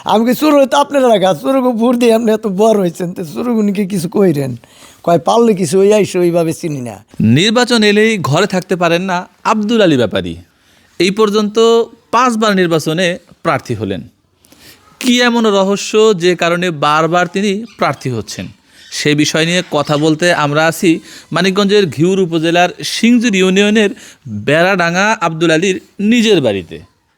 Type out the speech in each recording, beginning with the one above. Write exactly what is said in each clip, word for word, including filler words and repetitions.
আমি কি শুরু হয়তো আপনারা রাখা শুরুকে ভোর দিয়ে আপনি এত বড় হয়েছেন তো শুরুগুনিকে কিছু কইরেন কয় পারলে কিছু ওই আইসো ওইভাবে চিনি না। নির্বাচন এলেই ঘরে থাকতে পারেন না আব্দুল আলী ব্যাপারী। এই পর্যন্ত পাঁচবার নির্বাচনে প্রার্থী হলেন। কি এমন রহস্য যে কারণে বারবার তিনি প্রার্থী হচ্ছেন, সে বিষয় নিয়ে কথা বলতে আমরা আছি মানিকগঞ্জের ঘিউর উপজেলার সিংজুর ইউনিয়নের বেড়াডাঙ্গা আব্দুল আলীর নিজের বাড়িতে।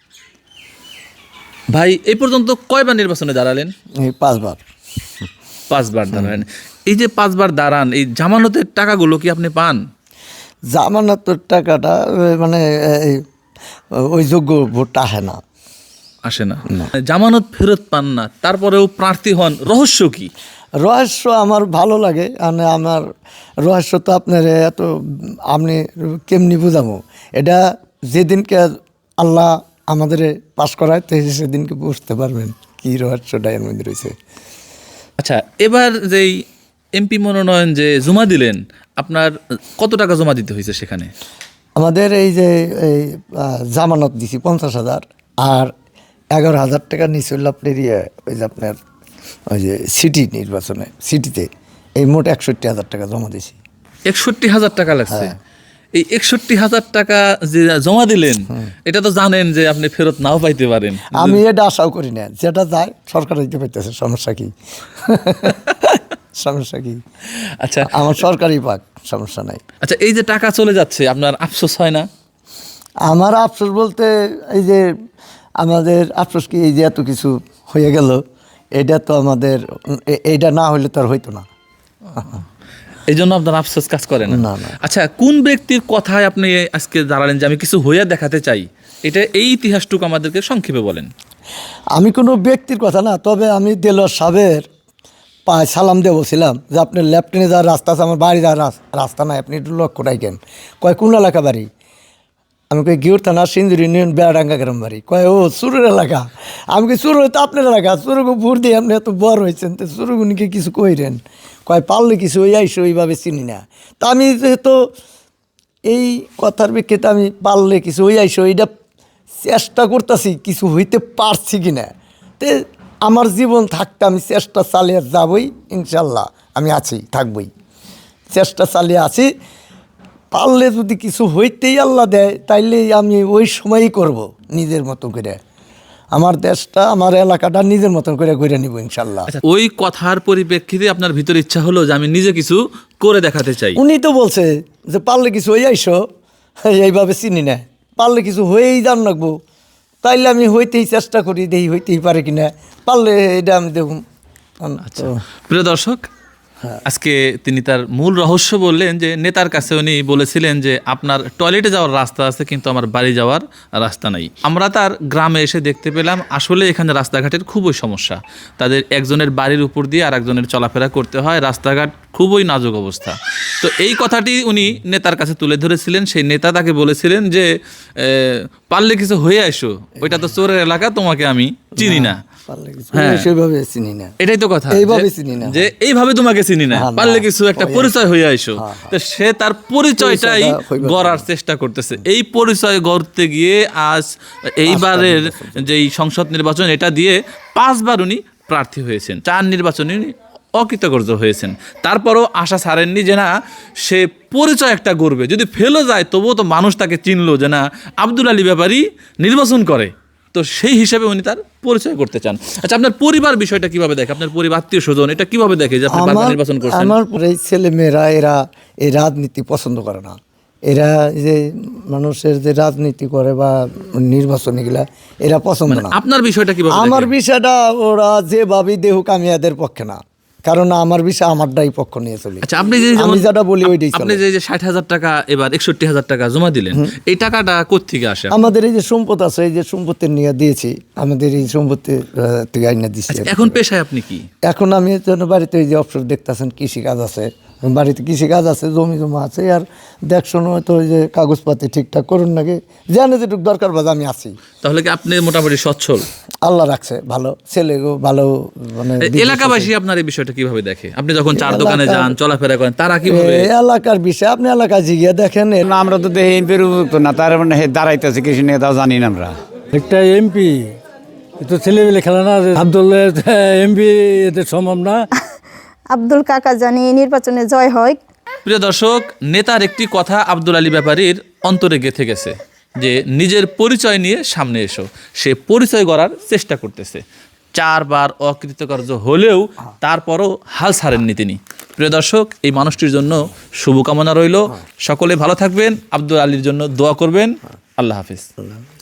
ভাই, এই পর্যন্ত কয়বার নির্বাচনে দাঁড়ালেন? এই পাঁচবার। পাঁচবার দাঁড়ালেন। এই যে পাঁচবার দাঁড়ান, এই জামানতের টাকাগুলো কি আপনি পান? জামানতের টাকাটা মানে এই ওই যোগ্য ভোটটা আসে না। আসে না, জামানত ফেরত পান না, তারপরেও প্রার্থী হন, রহস্য কি? রহস্য আমার ভালো লাগে, মানে আমার রহস্য তো আপনার এত আপনি কেমনি বুঝাবো, এটা যেদিনকে আল্লাহ আমাদের পাশ করায় তো সেদিনকে বুঝতে পারবেন কি রহস্যটা এর মধ্যে রয়েছে। আচ্ছা, এবার যেই এমপি মনোনয়ন যে জমা দিলেন, আপনার কত টাকা জমা দিতে হয়েছে সেখানে? আমাদের এই যে এই জামানত দিছি পঞ্চাশ হাজার আর এগারো হাজার টাকা নিচে আপনার ইয়ে ওই যে আপনার ওই যে সিটি নির্বাচনে সিটিতে এই মোট একষট্টি হাজার টাকা জমা দিছি। একষট্টি হাজার টাকা লাগছে। এই একষট্টি হাজার টাকা যে জমা দিলেন, এটা তো জানেন যে আপনি ফেরত নাও পাইতে পারেন। আমি এটা আশাও করি না, যেটা যায় সরকার দিতে পাইতেছে, সমস্যা কি? সমস্যা কি? আচ্ছা, আমার সরকারি পাক, সমস্যা নাই। আচ্ছা, এই যে টাকা চলে যাচ্ছে, আপনার আফসোস হয় না? আমার আফসোস বলতে এই যে আমাদের আফসোস কি, এই যে এত কিছু হয়ে গেল, এটা তো আমাদের এইটা না হইলে তো আর হইতো না। এই জন্য আপনার আফসোস কাজ করে না? না, না। আচ্ছা, কোন ব্যক্তির কথায় আপনি আজকে দাঁড়ালেন যে আমি কিছু হইয়া দেখাতে চাই, এটা এই ইতিহাসটুকু আমাদেরকে সংক্ষেপে বলেন। আমি কোনো ব্যক্তির কথা না, তবে আমি দেলোয়ার সাহেবের পায়ে সালাম দিয়ে বলছিলাম যে আপনার লেফটেনে যাওয়ার রাস্তা আছে, আমার বাড়ি যাওয়ার রাস্তা নাই, আপনি একটু লক্ষ্য রাখেন। কয় কোন এলাকা বাড়ি? আমি কই গিউর থানা সিন্দুর ইউনিয়ন বেড়াডাঙ্গা গ্রাম বাড়ি। কয় ও সুরের এলাকা। আমি কি শুরু হয়তো আপনার এলাকা শুরুকে ভোর দিয়ে আপনি এত বড় হয়েছেন তো শুরুগুনিকে কিছু কইরেন কয় পারলে কিছু ওই আইসো ওইভাবে চিনি না। তা আমি যেহেতু এই কথার প্রেক্ষিতে আমি পারলে কিছু ওই আইসো এইটা চেষ্টা করতেছি কিছু হইতে পারছি কি না। তে আমার জীবন থাকতে আমি চেষ্টা চালিয়ে যাবই, ইনশাল্লাহ আমি আছি, থাকবই, চেষ্টা চালিয়ে আছি। পারলে যদি কিছু হইতেই আল্লাহ দেয় তাইলে আমি ওই সময়ই করব নিজের মতো করে, আমার দেশটা আমার এলাকাটা নিজের মতন করে করে নিব ইনশাল্লাহ। আচ্ছা, ওই কথার পরিপ্রেক্ষিতে আপনার ভিতরে ইচ্ছা হলো যে আমি নিজে কিছু করে দেখাতে চাই। উনি তো বলছে যে পারলে কিছু হয়ে আইসো, এইভাবে চিনি না, পারলে কিছু হয়েই জান রাখবো, তাইলে আমি হইতেই চেষ্টা করি, দেখি হইতেই পারে কিনা, পারলে এটা আমি দেখুন। আচ্ছা, প্রিয় দর্শক, আজকে তিনি তার মূল রহস্য বললেন যে নেতার কাছে উনি বলেছিলেন যে আপনার টয়লেটে যাওয়ার রাস্তা আছে কিন্তু আমার বাড়ি যাওয়ার রাস্তা নাই। আমরা তার গ্রামে এসে দেখতে পেলাম আসলে এখানে রাস্তাঘাটের খুবই সমস্যা। তাদের একজনের বাড়ির উপর দিয়ে আর একজনের চলাফেরা করতে হয়, রাস্তাঘাট খুবই নাজুক অবস্থা। তো এই কথাটি উনি নেতার কাছে তুলে ধরেছিলেন। সেই নেতা তাকে বলেছিলেন যে পারলে কিছু হয়ে আসো, ওইটা তো চোরের এলাকা, তোমাকে আমি চিনি না। এটাই তো কথা, যে এইভাবে তোমাকে চিনি না, পারলে কিছু একটা পরিচয় হয়ে আইসো। তো সে তার পরিচয়টাই গড়ার চেষ্টা করতেছে। এই পরিচয় গড়তে গিয়ে আজ এইবারের যেই সংসদ নির্বাচন, এটা দিয়ে পাঁচবার উনি প্রার্থী হয়েছেন, চার নির্বাচনে উনি অকৃতকার্য হয়েছেন। তারপরও আশা ছাড়েননি যে না, সে পরিচয় একটা গড়বে, যদি ফেলও যায় তবুও তো মানুষ তাকে চিনলো যে না, আব্দুল আলী ব্যাপারী নির্বাচন করে। তো সেই হিসাবে উনি তার পরিচয় করতে চান। আচ্ছা, আপনার পরিবার বিষয়টা কিভাবে দেখে? আপনার পরিবার, আত্মীয় স্বজন এটা কিভাবে দেখে যে আপনি বারবার নির্বাচন করছেন? আমার এই ছেলে মেয়েরা এরা এই রাজনীতি পছন্দ করে না। এরা যে মানুষের যে রাজনীতি করে বা নির্বাচন এগুলা এরা পছন্দ না। আপনার বিষয়টা কিভাবে? আমার বিষয়টা ওরা যেভাবে দেহুক আমি এদের পক্ষে না, কারণ আমার বিষয় আমারটাই পক্ষ নিয়ে চলি। আচ্ছা, আপনি যে আমি যেটা বলি ওইটাই চলে। আপনি যে ষাট হাজার টাকা এবার একষট্টি হাজার টাকা জমা দিলেন, এই টাকাটা কোত্থেকে আসে? আমাদের এই যে সম্পদ আছে, এই যে সম্পত্তি নিয়ে দিয়েছি, আমাদের এই সম্পত্তি থেকে আইনা দিচ্ছি। এখন পেশায় আপনি কি? এখন আমি বাড়িতে এই যে অবসর দেখতেছেন, কৃষি কাজ আছে, বাড়িতে কৃষি কাজ আছে, জমি জমা আছে, আর দেখশোনো হয়তো ওই যে কাগজপাতি ঠিকঠাক করুন নাকি, জানে যেটুকু দরকার বাজ আমি আছি। তাহলে কি আপনি মোটামুটি সচ্ছল? আল্লাহ রাখছে ভালো, ছেলে ভালো। মানে এলাকাবাসী আপনার এই বিষয়টা কিভাবে দেখে? আপনি যখন চার দোকানে যান, চলাফেরা করেন, তারা কিভাবে? এলাকার বিষয় আপনি এলাকা জিগিয়ে দেখেন। আমরা তো দেখি এমপির উপযুক্ত না, তার মানে দাঁড়াইতেছে কৃষি নেতা জানি না আমরা। একটা এমপি তো ছেলেমেলে খেলা না, আব্দুল এমপি এতে সম্ভব না। আব্দুল কাকা জানি নির্বাচনে জয় হয়। প্রিয় দর্শক, নেতার একটি কথা আব্দুল আলী ব্যাপারীর অন্তরে গেঁথে গেছে যে নিজের পরিচয় নিয়ে সামনে এসো। সে পরিচয় গড়ার চেষ্টা করতেছে, চারবার অকৃতকার্য হলেও তারপরও হাল ছাড়েননি তিনি। প্রিয় দর্শক, এই মানুষটির জন্য শুভকামনা রইল। সকলে ভালো থাকবেন, আব্দুল আলীর জন্য দোয়া করবেন। আল্লাহ হাফিজ।